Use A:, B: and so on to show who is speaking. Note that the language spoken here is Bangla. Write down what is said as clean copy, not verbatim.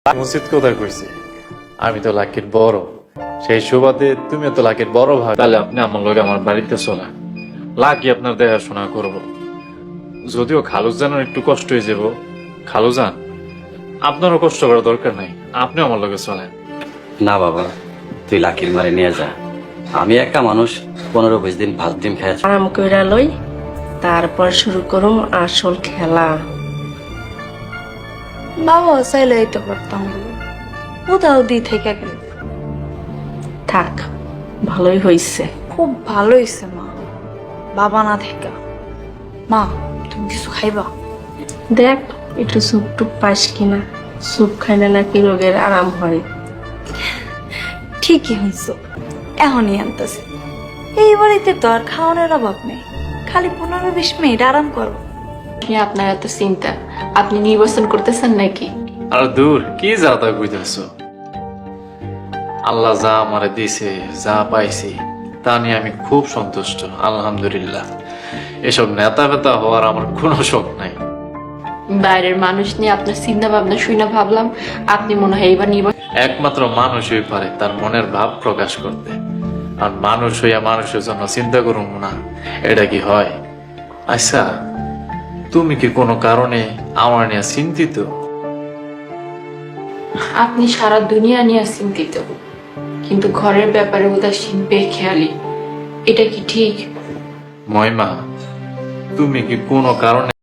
A: মসজিদ কোথায় করছি? আমি তো লাকির বড়, সেই সুবাদে তুমি তো লাকির বড় ভাই। তাহলে আপনি আমার লগে আমার বাড়িতে চলেন, লাকি আপনার দেখাশোনা করবো। যদিও খালুজানের একটু কষ্ট হয়ে যাব, খালুজান আপনারও কষ্ট করার দরকার নাই, আপনি আমার লগে চলেন।
B: না বাবা, তুই লাকির মারে নিয়ে যা। আমি একটা মানুষ, 15-20 দিন ভাত ডিম খেয়েছি।
C: আরাম কইরা লই, তারপর শুরু করুম আসল খেলা।
D: বাবা চাইলে এটা করতাম, কোথাও দি থেকে গেল।
C: থাক, ভালোই হইছে।
D: খুব ভালো হয়েছে মা, বাবা না থেকে। মা তুমি কিছু খাইবা?
C: দেখ একটু স্যুপ টুপ পাস কিনা, স্যুপ খাইলে নাকি রোগের আরাম হয়।
D: ঠিকই হয়েছ, এখনই আনতেছে। এই বাড়িতে তো আর খাওয়ানোর অভাব নেই, খালি 15-20 মিনিট আরাম করো।
E: আপনার এত চিন্তা, আপনি নির্বাচন করতেছেন নাকি?
A: আর দূর কি যা তা কইতেছ? আল্লাহ যা আমারে দিছে, যা পাইছি তা নিয়ে আমি খুব সন্তুষ্ট, আলহামদুলিল্লাহ। এসব নেতা ফেতা হওয়ার আমার কোনো শখ নাই।
E: বাইরের মানুষ নিয়ে আপনার চিন্তা ভাবনা শুনে ভাবলাম আপনি মনে হয় এইবার নির্বাচন।
A: একমাত্র মানুষই পারে তার মনের ভাব প্রকাশ করতে, আর মানুষ হইয়া মানুষের জন্য চিন্তা করুম না, এটা কি হয়? আচ্ছা, তুমি কি কোনো কারণে আমার নিয়ে চিন্তিত?
E: আপনি সারা দুনিয়া নিয়ে চিন্তিত, কিন্তু ঘরের ব্যাপারে উদাসীন, বেখেয়ালি, এটা কি ঠিক?
A: মহিমা, তুমি কি কোনো কারণে